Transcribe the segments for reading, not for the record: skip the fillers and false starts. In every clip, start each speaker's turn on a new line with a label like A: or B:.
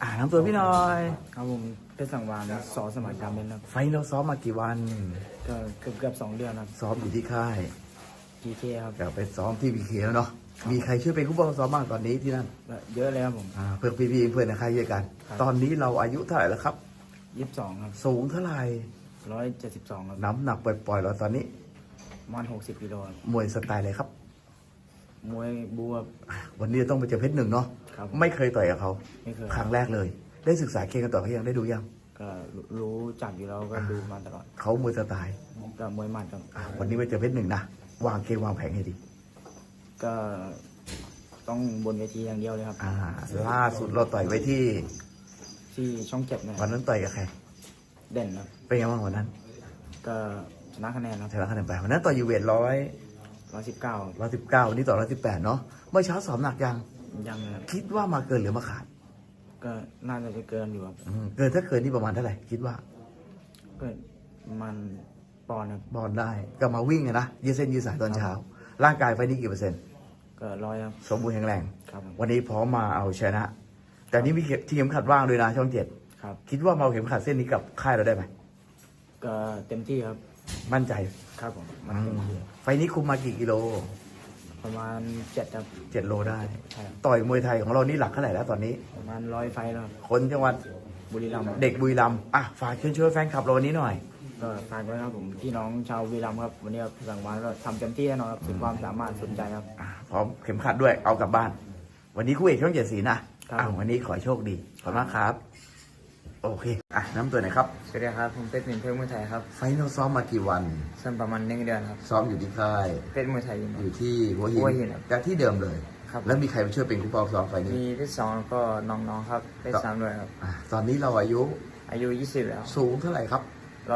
A: น้ำตัวพี่หน่อย
B: ครับผมเพชรสังวาลสอสมัยการเล่นครับ
A: ไฟเราซ้อมมากี่วัน
B: ก็เกือบ2 เดือนครับ
A: ซ้อมอยู่ที่ค่าย
B: GK ครับ
A: เดี๋ยวไปซ้อมที่พีเคแล้วเนาะมีใครช่วยเป็นผู้บังคับซ้อมบ้างตอนนี้ที่นั่น
B: เยอะเลยครับผม
A: เพื่อนพี่ๆเพื่อนในค่ายด้วยกัน
B: ครับ
A: ตอนนี้เราอายุเท่าไหร่แล้วครับ
B: 22ครับ
A: สูงเท่าไหร่
B: 172ครับ
A: น้ำหนักปล่อยๆเราตอนนี้
B: ประมาณ60กิโลครับ
A: มวยสไตล์อะไรครับ
B: มวยบูครับ
A: วันนี้ต้องไปเจอเพชรหนึ่งเนาะ
B: ครับ
A: ไม่เคยต่อยกับเขา
B: ไม่เคย
A: ครั้งแรกเลย ได้ศึกษาเกมกันต่อเขายังได้ดูยัง
B: ก็รู้จักอยู่แล้วก็ดูมาตลอด
A: เขามวยสไตล์
B: ก็มวยหมัดครับ
A: วันนี้ไปเจอเพชรหนึ่งนะวางเกมวางแผนให้ดี
B: ก็ต้องบนเวทีอย่างเดียวเลยครับ
A: ล่าสุดเราต่อยไว้ที่
B: ที่ช่อง7นะค
A: วั
B: รั
A: น
B: บ
A: นั้นต่อยกับใคร
B: เด่นครับ
A: เป็นไงบ้างวันนั้น
B: ก็ชนะคะแนนครับ
A: ชนะคะแนนไปวันนั้นต่อยอยู่เวท
B: 119
A: 119วันนี้ต่อ118เนาะเมื่อเช้าสอบหนักยัง
B: ยังครับ
A: คิดว่ามาเกินหรือมาขาด
B: ก็น่าจะเกินอยู่ครับ
A: เกินถ้าเกินนี่ประมาณเท่าไหร่คิดว่า
B: ก็มันปอนด์ครับ
A: บอลได้ก็มาวิ่งไงนะยืดเส้นยืดสายตอนเช้า ร่างกายไฟนี้กี่เปอร์เซ็นต์
B: ก็100ครับ
A: สมบูรณ์แข็งแรง
B: ครับผม
A: วันนี้พร้อมมาเอาชนะ แต่นี่มีที่เข็มขัดว่างด้วยนะช่อง7
B: ครับ
A: คิดว่ามาเอาเข็มขัดเส้นนี้กับค่ายเราได้ไหม
B: ก็เต็มที่ครับ
A: มั่นใจ
B: ครับผมมันเต็มที่
A: ไฟนี้คุมมากี่กิโล
B: ประมาณ7ครับ
A: 7 โลได้
B: ใช่ครับ
A: ต่อยมวยไทยของเรานี่หลักเท่าไหร่แล้วตอนนี้
B: ประมาณ100 ไฟแล้วครับ
A: คนจังหวัด
B: บุรีรัมย์ครับ
A: เด็กบุรีรัมย์ฝากเชิญชวนแฟนคลับเราวันนี้หน่อย
B: ก็ฝากไว้ครับผมพี่น้องชาวบุรีรัมย์ครับวันนี้ครับสังวาลก็ทำเต็มที่แน่นอนครับสุดความสามารถสุดใจครับ
A: พร้อมเข็มขัดด้วยเอากลับบ้าน วันนี้คู่เอกช่อง7 สีนะครับ วันนี้ขอโชคดีขอบคุณมากครับ โอเคน้ำตัวไหนอยครับ
B: สวัสดีครับผมเพชรหนึ่งเพชรมวยไทยครับ
A: ไฟนอลซ้อมมากี่วัน
B: ซึ่งประมาณ1 เดือนครับ
A: ซ้อมอยู่ที่ค่าย
B: เพชรมวยไทยยิม
A: อยู่ที่หัวหิ
B: หัวหินครับ
A: จากที่เดิมเลย
B: ครับ
A: แล้วมีใครมาช่วยเป็นคู่ปองซ้อมไฟนี้
B: มีเพชร2แล้วก็น้องๆครับเพชร3ด้วยครับ
A: ตอนนี้เราอายุ
B: อายุ20แล้ว
A: สูงเท่าไหร่ครับ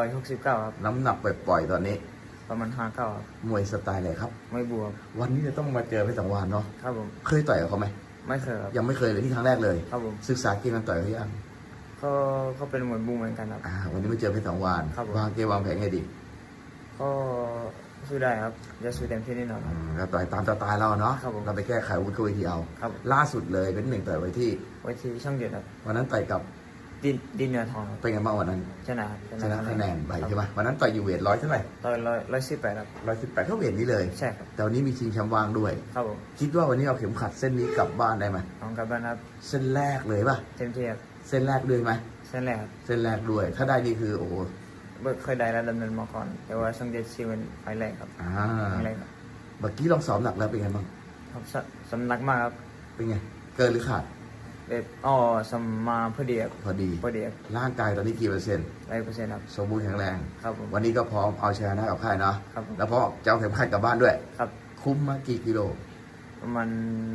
B: 169ครับ
A: น้ำหนักปล่อยๆตอนนี้
B: ประมาณ59ครับ
A: มวยสไตล์อะไรครับ
B: ไม่บวก
A: วันนี้จะต้องมาเจอเพชรสังวาลเนาะ
B: ครับผม
A: เคยต่อยกับเขาไหม
B: ไม่เคยครับ
A: ยังไม่เคยเลยที่ครั้งแรกเลย
B: ครับผม
A: ศึกษาเกมกันต่อยเขายัง
B: ก็เป็นมวยบูเหมือนกันครับ
A: วันนี้มาเจอเพชรสังวาล
B: ครับผม
A: วางเกมวางแผนไงดี
B: ก็สู้ได้ครับจะสู้เต็มที่แน่นอนครับ
A: ก็ต่อยตามสไตล์เราเนาะ
B: ครับผม
A: เราไปแก้ไขอาวุธเข้าเวทีเอา
B: ครับ
A: ล่าสุดเลยเป็นหนึ่งต่อยไว้ที่
B: ไว้ที่ช่องเจ็ดครับ
A: วันนั้นต่อยกับ
B: ดินเนื้อทองครับ
A: เป็นไงบ้างวันนั้น
B: ชนะครับ
A: ชนะคะแนนไปใช่ไหมวันนั้นต่อยอยู่เวทเท่าไหร่
B: ต่อย118ครับ
A: 118เท่าเวทนี้เลย
B: ใช่ครับ
A: แต่วันนี้มีชิงแชมป์ว่างด้วย
B: ครับผม
A: คิดว่าวันนี้เอาเข็มขัดเส้นนี้กลับบ้านได้ไหม
B: น้องกลับบ้านครับ
A: เส้นแรกเลยป่ะ
B: เต็มที่ครับ
A: เส้นแรกด้วยไหม
B: เส้นแรกครับ
A: เส้นแรกด้วย ถ้าได้นี่คือโอ้โห
B: เคยได้แล้วดำเนินมาก่อน แต่ว่าช่องเจ็ดซีเป็นไฟแรกครับ
A: อ่า
B: ไฟแรกครับ
A: เมื่อกี้ลองซ้อมหนักแล้วเป็นไงบ้าง
B: ครับสำนักมากครับ
A: เป็นไงเกินหรือขาด
B: แบบสมมาพอดีครับ
A: พอดี
B: พอดีครับ
A: ร่างกายตอนนี้กี่เปอร์เซ็นต์
B: 100%ครับ
A: สมบูรณ์แข็งแรง
B: ครับผม
A: วันนี้ก็พร้อมเอาชนะกับค่ายเนาะ
B: ครับผม
A: แล้วพอจะเอาเข็มขัดกลับบ้านด้วย
B: ครับ
A: คุ้มมากี่กิโล
B: ประมาณ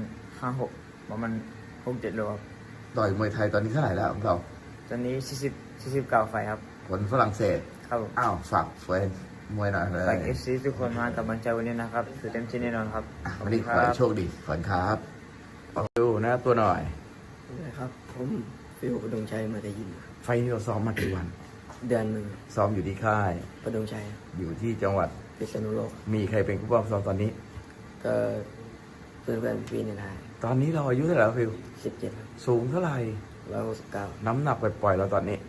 B: 5-6ประมาณ6-7 โลครับ
A: ต่อยมวยไทยตอนนี้เท่าไหร่แล้วของเรา
B: ตอนนี้49 ไฟครับ
A: คนฝรั่งเศส
B: ครับผม
A: ฝากเฟรนมวยหน่อยเลย
B: ฝาก FC ทุกคนมากับบัญชาวันนี้นะครับคือเต็มที่แน่นอนครับ
A: วันนี้ขอให้โชคดีขอบคุณครับดูนะตัวหน่อย
C: ครับผมฟิวประดงชัยมาแต่ยิน
A: ไฟนี้เราซ้อมมากี่วัน
C: เดือนหนึ่ง
A: ซ้อมอยู่ที่ค่าย
C: ประดงชัย
A: อยู่ที่จังหวัด
C: พิษณุโลก
A: มีใครเป็นผู้ป้องซ้อมตอนนี้
C: ก็เพื่อนๆปีในไทย
A: ตอนนี้เราอายุเท่าไหร่แล้วฟิว
C: 17
A: สูงเท่าไหร่
C: 169
A: น้ำหนักปล่อยๆเราตอนนี้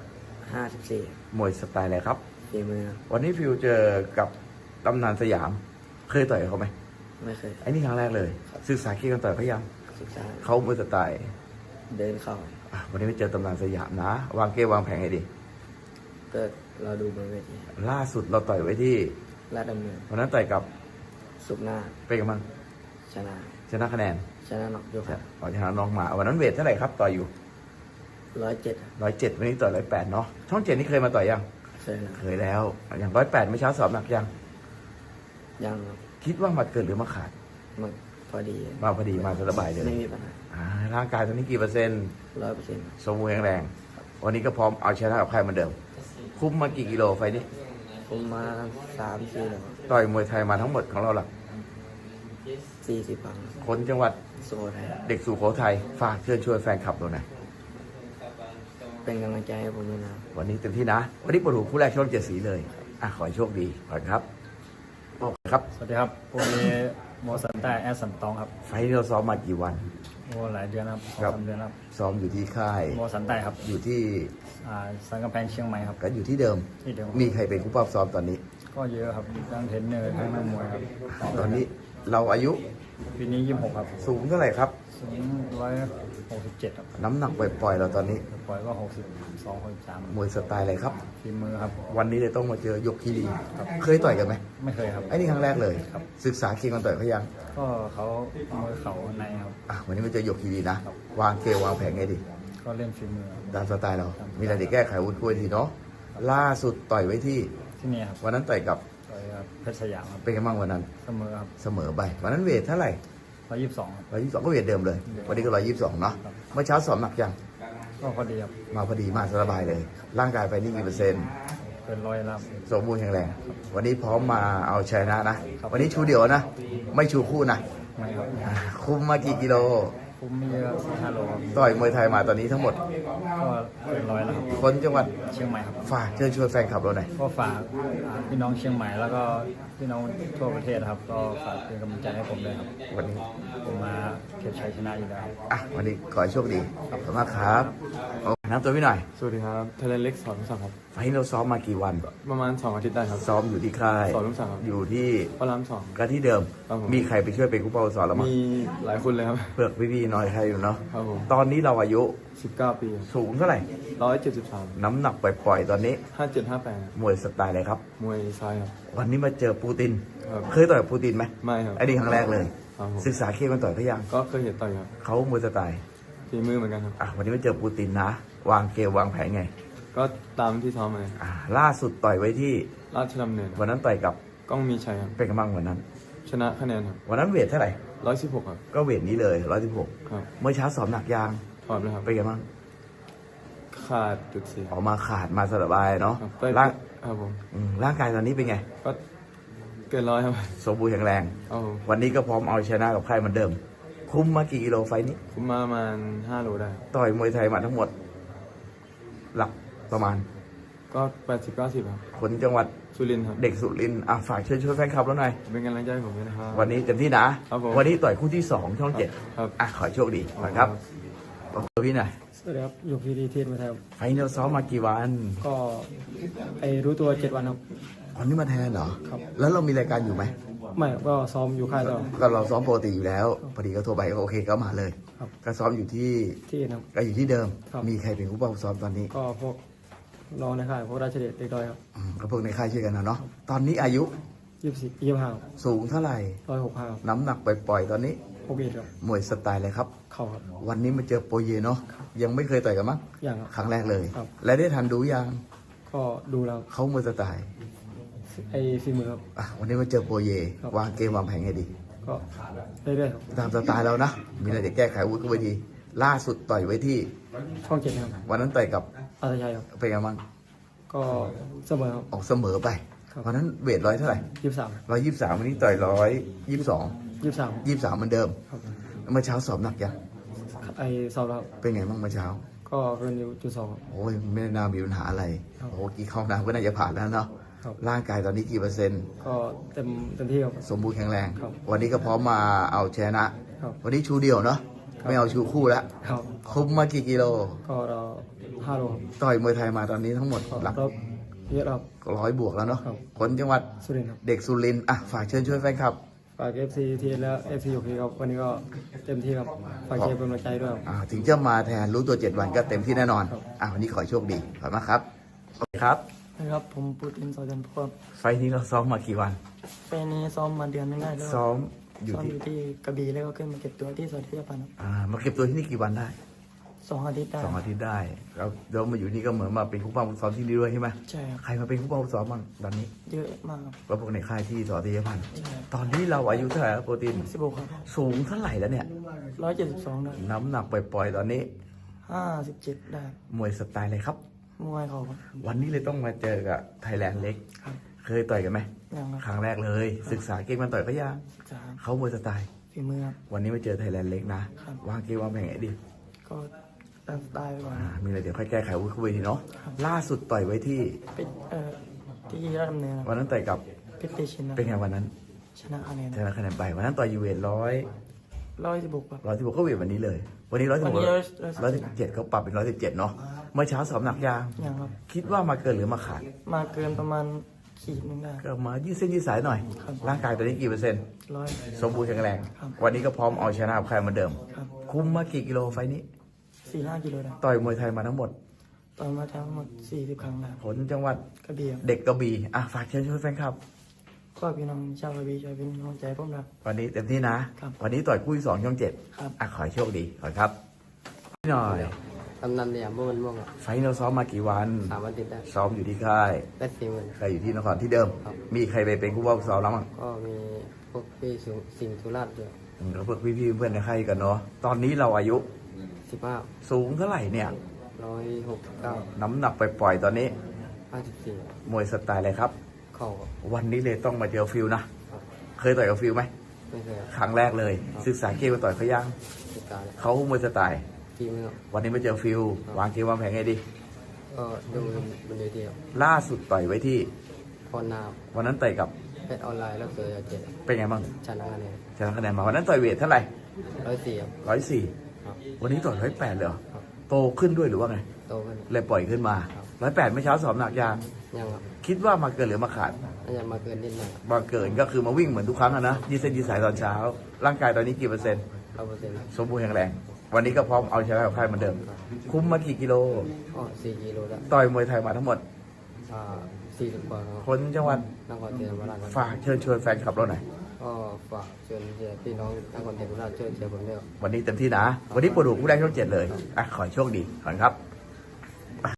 C: 54
A: มวยสไตล์อะไรครับ
C: ฝีมือ
A: วันนี้ฟิวเจอกับตำนานสยาม เคยต่อยกับเขาไหม
C: ไม่เคย
A: ไอ้นี่ครั้งแรกเลย ศึกษาเกี่ยวกับต่อยพยายาม
C: ศึกษา
A: เขามวยสไตล์
C: เดินเข้า
A: วันนี้ไปเจอตำนานสยามนะ วางเกมวางแผนให้ดี
C: ก็เราดูบนเวที
A: ล่าสุดเราต่อยไว้ที่
C: ลาดดำเนิน
A: วันนั้นต่อยกับ
C: สุกร์หน้า
A: เป็นกันบ้าง
C: ชนะ
A: ชนะคะแนน
C: ชนะน็อกยกครับ
A: ต่อยชนะน้องมาวันนั้นเวทเท่าไหร่ครับต่อยอยู่
C: 107
A: 107วันนี้ต่อย108เนาะช่อง7นี่เคยมาต่อยยัง
C: เคยนะ
A: เคยแล้วอย่าง108ไม่อเช้าสอบหนักยัง
C: ยังครับ
A: คิดว่ามาเกินหรือมาขาด
C: มันพอดี
A: มาพอดีมาสบายเลย
C: ไม่มีปัญหา
A: ร่างกายตอนนี้กี่เปอร์เซ็นต์
C: 100%
A: สมบูรณ์แข็งแรง วันนี้ก็พร้อมเอาชนะกับใครเหมือนเดิม คุ้มมากี่กิโลไฟนี้
C: ผมมา3-4แล้ว
A: ต่อยมวยไทยมาทั้งหมดของเราหลัก
C: 40 ครั้ง
A: คนจังหวัด
C: สุโขทัย
A: เด็กสุโขทัยฝากเชิญชวนแฟนคลับเราหน่อย
C: เป็นกำลังใจให้ผมด้วยนะ
A: วันนี้เต็มที่นะ วันนี้ปวดหูคู่แรกช่อง7 สีเลยขอให้โชคดีขอบคุณครับครับ
D: สวัสดีครับพวกนี้โมสันใต้แอสสันตองครับ
A: ไฟนี้เราซ้อมมากี่วัน
B: โอ้หลายเดือนครับ
A: ครับ
B: 3 เดือนครับ
A: ซ้อมอยู่ที่ค่าย
B: โมสันใต้ครับ
A: อยู่ที่
B: สันกำแพงเชียงใหม่ครับ
A: ก็อยู่ที่เดิม
B: ที่เดิม
A: มีใครเป็นผู้ปรับซ้อมตอนนี้
B: ก็เยอะครับทั้งเทรนเนอร์ทั้งนักมวยครับ
A: ตอนนี้เราอายุ
B: ปีนี้26ครับ
A: สูงเท่าไหร่ครับ
B: สูง167ครับ
A: น้ำหนักปล่อยๆเราตอนนี้
B: ปล่อยก็62 63
A: มวยสไตล์อะไรครับ
B: ฝีมือครับ
A: วันนี้เลยต้องมาเจอยกคีรีเคยต่อยกันไหม
B: ไม่เคยครับ
A: ไอ้นี่ครั้งแรกเลย
B: ครับ
A: ศึกษาเคียงกันต่อยเขายัง
B: ก็เขามือเขาในครับ
A: วันนี้มาเจอยกคีรีนะ วางเกมวางแผนไงดี
B: ก็เล่นฝีมือครับ
A: ตามสไตล์เรา มีอะไรจะแก้ไขวุ้นคุยทีเนาะ ล่าสุดต่อยไว้ที่
B: ที่นี่ครับ
A: วันนั้นต่อยกับ
B: ต่อยกับเพชรสยามครับ
A: เป็นไงบ้างวันนั้น
B: เสมอครับ
A: เสมอไป วันนั้นเวทเท่าไหร่
B: 122ครับ
A: 122ก็เวทเดิมเลย วันนี้ก็122เนาะ เมื่อเช้าสอบหนักยัง
B: ก็พอดีครับ
A: มาพอดีมาสบายเลย ร่างกายไปนี่กี่เปอร์เซ็นต์
B: เกิน100แล้ว
A: สมบูรณ์แข็งแรง วันนี้พร้อมมาเอาชนะนะ วันนี้ชูเดี่ยวนะ ไม่ชูคู่นะ
B: ไม่ครับ
A: คุมมากี่กิโล
B: คุ้มไม่เยอะ5 โลครับ
A: ต่อยมวยไทยมาตอนนี้ทั้งหมด
B: ก็เกิน100แล้วครับ
A: คนจังหวัด
B: เชียงใหม่ครับ
A: ฝากเชิญชวนแฟนคลับเราหน่อย
B: ก็ฝากพี่น้องเชียงใหม่แล้วก็พี่น้องทั่วประเทศนะครับ ก็ฝากเป็นกำลังใจให้ผมด้วยครับ
A: วันนี้
B: ผมมาเก็บชัยชนะอยู่แล้ว
A: วันนี้ขอให้โชคดี ขอบคุณมากครับโอ้น้ำตัวพี่หน่อย
D: สวัสดีครับเทเลเล็กสอนลูกสังครับ
A: ไฟล์เราซ้อมมากี่วัน
D: ประมาณ2 อาทิตย์ได้ครับ
A: ซ้อมอยู่ที่ค่าย
D: สอนลูกสังครับ
A: อยู่ที่
D: พระรามสอง
A: ก็ที่เดิม
D: ครับผม
A: มีใครไปช่วยเป็นกู้เป้าสอนเรามั้ง
D: มีหลายคนเลยครับ
A: เพื่อพี่ๆหน่อยใครอยู่เนาะ
D: ครับผม
A: ตอนนี้เราอายุ
D: 19 ปี
A: สูงเท่าไหร่
D: 173
A: น้ำหนักปล่อยๆตอนนี้
D: 5758
A: มวยสไตล์อะไรครับ
D: มวยซ้ายครับ
A: วันนี้มาเจอปูติน
D: ครับ
A: เคยต่อยกับปูตินไหม
D: ไม่ครับ
A: ไอ้นี่ครั้งแรกเลย
D: ครับผม
A: ศึกษาเคียงกันต่อยเขายัง
D: ก็เคยเห็นต่อยครับ
A: เขามวยสไตล์
D: ฝีมือเหมือนกันครับ
A: วันนี้มาเจอปูตินนะ วางเกมวางแผนไง
D: ก็ตามที่ซ้อมมาเลย
A: ล่าสุดต่อยไว้ที่
D: ราชดำเนินครับ
A: วันนั้นต่อยกับ
D: ก้องมีชัยครับ
A: เป็นกำลังวันนั้น
D: ชนะคะแนนครับ
A: วันนั้นเวทเท่าไหร่
D: 116ครับ
A: ก็เวทนี้เลย116
D: ครับ
A: เมื่อเช้าสอบหนักยาง
D: ถอดเลยครับ
A: เป็นไงบ้าง
D: ขาดจุดเสีย
A: ออกมาขาดมาสบายเนาะ
D: ครับ
A: ร่าง
D: ครับผม
A: ร่างกายตอนนี้เป็นไง
D: ก็เกิน100ครับ
A: สมบูรณ์แข็งแรง
D: ครับผม
A: วันนี้ก็พร้อมเอาชนะกับใครเหมือนเดิม คุ้มมากี่กิโลไฟล์นี้
D: ผมมาประมาณ5 โลได้
A: ต่อยมวยไทยมาทั้งหมด หลักประมาณ
D: ก็80-90ครับ
A: คนจังหวัด
D: สุรินทร์ครับ
A: เด็กสุรินทร์ฝากเชิญชวนแฟนคลับแล้วหน่อย
D: เป็นกำลังใจให้ผมด้วยนะครับ
A: วันนี้เต็มที่นะ
D: ครับผม
A: วันนี้ต่อยคู่ที่ 2 ช่อง
D: ครับ
A: 7ขอให้โชคดีก่อนครับบอกตัวพี่หน่อย
E: สวัสดีครับอยู่พีดีเทสมาครับ
A: ไฟล์เราซ้อมมากี่วัน
E: ก็ไปรู้ตัว7 วันครับ
A: วันนี้มาแทนเหรอ
E: ครับ
A: แล้วเรามีรายการอยู่ไหม
E: ไม่ก็ซ้อมอยู่ค่ายต่อ
A: ก็เราซ้อมปกติอยู่แล้ว พอดีก็โทรไปก็โอเคก็มาเลย
E: ครับ
A: ก็ซ้อมอยู่ที่
E: ที่นะครับ
A: ก็อยู่ที่เดิม
E: ครับ
A: มีใครเป็นผู้ป้องซ้อมตอนนี้
E: ก็พวกน้องในค่ายพวกราชเดชเด็กดอยครับ
A: ก็พวกในค่ายช่วยกันนะเนาะ ตอนนี้อายุ
E: 25
A: สูงเท่าไหร่
E: 165ครับ
A: น้ำหนักปล่อยๆตอนนี้
E: โอเคครับ
A: มวยสไตล์อะไรครับ
E: เข่าครับ
A: วันนี้มาเจอโปรเยเนาะ ยังไม่เคยต่อยกันมั้ง
E: อย่างครับ
A: ครั้งแรกเลย
E: ครับ
A: และได้ทันดูยัง
E: ก็ดูแล้ว
A: เขามวยสไตล์
E: ไอ้ฝีมือครับ
A: วันนี้มาเจอโปรเย
E: ครับ
A: วางเกมวางแผนไงดี
E: ก็เรื่อยๆครับ
A: ตามสไตล์เรานะ มีอะไรจะแก้ไขวุฒิเวที ล่าสุดต่อยไว้ที่
E: ช่อง7ครับ
A: วันนั้นต่อยกับ
E: อาตชัยครับ
A: เป็นไงบ้าง
E: ก็เสมอครับ
A: ออกเสมอไป
E: ครับ
A: วันนั้นเวทร้อยเท่าไหร่
E: 23
A: 123วันนี้ต่อย122 23เหมือนเดิม
E: ครับ
A: เมื่อเช้าสอบหนักยัง
E: ไอ้สอบแล้ว
A: เป็นไงบ้างเมื่อเช้า
E: ก็เกินอยู่จุด2ครับ
A: โอ้ยไม่น่ามีปัญหาอะไร
E: ครับ
A: โอ้กี่เข้าน้ำก็น่าจะผ่านแล้วเนาะ
E: ครับ
A: ร่างกายตอนนี้กี่เปอร์เซ็นต์
E: ก็เต็มที่ครับ
A: สมบูรณ์แข็งแรง
E: ครับ
A: วันนี้ก็พร้อมมาเอาชนะ
E: ครับ
A: วันนี้ชูเดียวเนาะ
E: ครับ
A: ไม่เอาชูคู่แล้ว
E: ครับ
A: คุมมากี่กิโล
E: ก็เรา5 โลครับ
A: ต่อยมวยไทยมาตอนนี้ทั้งหมด
E: ก็
A: หลัก
E: รอบเยอะครับ
A: 100 บวกแล้วเนาะ
E: ครับ
A: คนจังหวัด
E: สุรินทร์ครับ
A: เด็กสุรินทร์ฝากเชิญช่วยแฟนคลับ
E: ฝาก FC ทีและ FC โอเคครับวันนี้ก็เต็มที่ครับฝากเชียร์เป็นกำลังใจด้วยครับ
A: ถึงจะมาแทนรู้ตัว 7 วันก็เต็มที่แน่นอน
E: ครับ
A: วันนี้ขอให้โชคดี ขอบคุณมากครับโอเคครับ
F: นะครับ ผมปุตินสอจันทร์พวก
A: ไฟล์นี้เราซ้อมมากี่วัน
F: ไฟล์นี้ซ้อมมาเดือนนึงได้แล้ว
A: ซ้อมอยู่
F: ซ้อม
A: ที่
F: อยู่ที่กระบี่แล้วก็ขึ้นมาเก็บตัวที่สวนที่ญี่ปุ่นครับ
A: มาเก็บตัวที่นี่กี่วันได้
F: 2 อาทิตย์ได้
A: 2 อาทิตย์ได้แล้วเรามาอยู่นี่ก็เหมือนมาเป็นคู่ป้าคู่ซ้อมที่นี่ด้วยใช่ไหม
F: ใช่ครับ
A: ใครมาเป็นคู่ป้าคู่ซ้อมบ้างตอนนี้
F: เยอะมากครับ
A: ก็พวกในค่ายที่สอตีพันธ์
F: ใช่ครับ
A: ตอนนี้เราอายุเท่าไหร่ครับโปรตีน
F: 16ครับ
A: สูงเท่าไหร่แล้วเนี่ย
F: 172ได้
A: น้ำหนักปล่อยๆตอนนี้
F: 57ได้
A: มวยสไตล์อะไรครับ
F: มวยเขาครับ
A: วันนี้เลยต้องมาเจอกับไทยแลนด์เล็ก
F: ครับ
A: เคยต่อยกันไหม
F: ยังค
A: ครับ รั้งแรกเลย ศึกษาเกมมันต่อยเขายัง
F: จะ
A: เขามวยสไตล์
F: ฝีมือครับ
A: วันนี้มาเจอไทยแลนด์เล็กนะ
F: ครับ
A: วางเกมวางแผนไงดี
F: ก็ตามสไตล์ไปก่อน
A: มีอะไรเดี๋ยวค่อยแก้ไขวุ้ยคุยทีเนาะ
F: ครับ
A: ล่าสุดต่อยไว้ที่
F: เป็นที่ราชดำเนินครับ
A: วันนั้นต่อยกับ
F: เพชรเตชินนะ
A: เป็นไงวันนั้น
F: ชนะคะแนน
A: ชนะคะแนนไปวันนั้นต่อยยูเวทร้อย
F: 116ครับ
A: 116ก็เวทวันนี้เลย วันนี้
F: วันนี้
A: 117เขาปรับเป็น117เนาะเมื่อเช้าสอบหนักยาง
F: ยังครับ
A: คิดว่ามาเกินหรือมาขาด
F: มาเกินประมาณขีดหนึงได้
A: ก็มายืดเส้นยืดสายหน่อย
F: ครับ
A: ร่างกายตอนนี้กี่เปอร์เซ็นต์
F: 100
A: สมบูรณ์แข็งแรง
F: ครับ
A: วันนี้ก็พร้อมเอาชนะใครเหมือนเดิม
F: ครับ
A: คุมมากี่กิโลไฟล์นี้
F: 4-5 กิโลได้
A: ต่อยมวยไทยมาทั้งหมด
F: ต่อยมาทั้งหมด40 ครั้งได้
A: ผลจังหวัด
F: กระบี่ครับ
A: เด็กกระบี่อ่ะฝากเชิญชวนแฟนคลับ
F: ก็พี่น้องชาวกระบี่ช่วยเป็นกำลังใจให้ผมนะ
A: วันนี้เต็มที่นะ
F: ครับ
A: วันนี้ต่อยคู่ที่2ช่อง 7
F: ครับ
A: อ่ะขอให้โชคดีขอครับพี่หน่อย
C: กำนันเนี่ยเมื่อวันม่วงอ่ะ
A: ไฟล์เราซ้อมมากี่วัน
C: 3 วันติดได้
A: ซ้อมอยู่ที่ค่าย
C: ได้40,000
A: ใครอยู่ที่นครที่เดิม
C: ครับ
A: มีใครไปเป็นคู่บ่าวซ้อมแล้วมั้ง
C: ก็มีพวกพี่สิงห์สุราษฎร์ด้วย
A: แล้วพวกพี่ๆเพื่อนในค่ายกันเนาะตอนนี้เราอายุ
C: 15
A: สูงเท่าไหร่เนี่ย
C: 169
A: น้ำหนักไปปล่อยๆตอนนี้
C: 54
A: มวยสไตล์อะไรครับ
C: เข่าครับ
A: วันนี้เลยต้องมาเจอฟิลนะ
C: ครับ
A: เคยต่อยกับฟิลไหม
C: ไม่เคยครับ
A: ครั้งแรกเลย ศึกษาเกมมาต่อยเขายัง
C: ติดตาเลย
A: เขามวยสไตล์
C: ทีมนึงครับ
A: วันนี้มาเจอฟิลวางเกมวางแผนไงดี
C: ก็ดูบนเวทีครับ
A: ล่าสุดต่อยไว้ที่
C: พอนา
A: วันนั้นต่อยกับ
C: เพชรออนไลน์แล้วเสือเจ็ด
A: เป็นไงบ้าง
C: ชนะคะแนน
A: ชนะคะแนนมาวันนั้นต่อยเวทเท่าไหร่
C: 104ครับ
A: 104
C: ครับ
A: วันนี้ต่อย108เลยเหรอ
C: ครับ
A: โตขึ้นด้วยหรือว่าไง
C: โตขึ้น
A: เลยปล่อยขึ้นมา
C: ครับ
A: 108เมื่อเช้าสอบหนักยาง
C: ยังครับ
A: คิดว่ามาเกินหรือมาขาด
C: น่าจะมาเกินนิดหน่อย
A: มาเกินก็คือมาวิ่งเหมือนทุกครั้งอะนะยืดเส้นยืดสายตอนเช้า ร่างกายตอนนี้กี่เปอร์เซ็นต์
C: 100%
A: สมบูรณ์แข็งแรง วันนี้ก็พร้อมเอาชนะกับใครเหมือนเดิม คุ้มมากี่กิโล
C: ก็4 กิโลแล้ว
A: ต่อยมวยไทยมาทั้งหมด
C: 40 กว่าครับ
A: คนจังหวัด
C: นครศรีธรรมราชครับ
A: ฝากเชิญชวนแฟนคลับเราหน่อย
C: ก็ฝากเชิญเชียร์พี่น้องนครศรีธรรมราชช่วยเชียร์ผมด้วยครับ
A: วันนี้เต็มที่นะ วันนี้ปวดหัวผู้แรกช่อง 7 เลย อ่ะ ขอให้โชคดีขอบคุณครับ